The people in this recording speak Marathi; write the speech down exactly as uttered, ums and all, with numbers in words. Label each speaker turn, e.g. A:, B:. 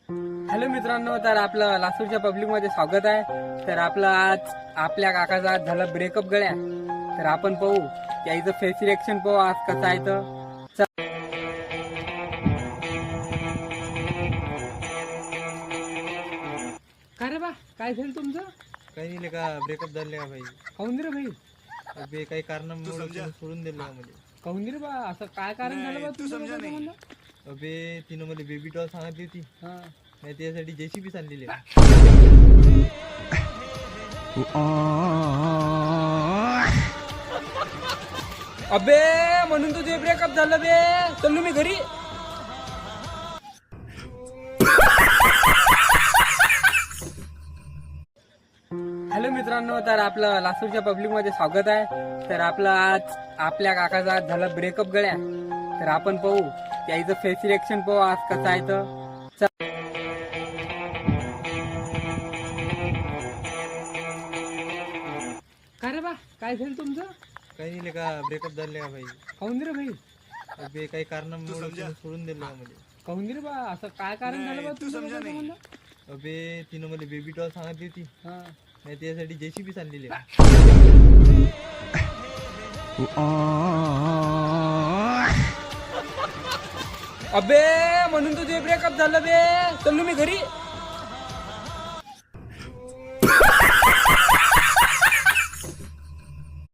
A: हॅलो मित्रांनो, तर आपलं लासूरच्या पब्लिक मध्ये स्वागत आहे. तर आपलं आज आपल्या काकाचा आज झाला ब्रेकअप गळ्या. तर आपण पाहू याचं फेस रिएक्शन पाहू आज कसं आहे. तर चल. काय रे बा, काय झालं तुमचं?
B: काही नाही का ब्रेकअप झाले का भाई?
A: काहून रे भाई?
B: अबे काही कारणामुळे तिने सोडून दिलं का मला.
A: काहून रे बा, असं काय कारण झालं बा तुमचं म्हणलं?
B: अबे तिनं मला बेबी डॉल सांगितली होती,
A: हा.
B: नाही त्यासाठी जेसीबी सांगलेली.
A: अबे म्हणून तुझे ब्रेकअप झालं बे. चल मी घरी. हॅलो मित्रांनो, तर आपलं लासूरच्या पब्लिक मध्ये स्वागत आहे. तर आपलं आज आपल्या काकाचा आज झाला ब्रेकअप गळ्या. तर आपण पाहू याचं फेस रिएक्शन पाहू आज कसं आहे. तर चल. काय रे बा, काय झालं तुमचं?
B: काही नाही का ब्रेकअप झाले का भाई?
A: काहून रे भाई?
B: अबे काही कारणामुळे तिने सोडून दिलं का मला.
A: काहून रे बा, असं काय कारण झालं बा तुमचं म्हणलं?
B: अबे तिनं मला बेबी डॉल सांगितली होती,
A: हा.
B: नाही त्यासाठी जेसीबी सांगलेली.
A: अबे म्हणून तुझे ब्रेकअप झालं बे. चल मी घरी.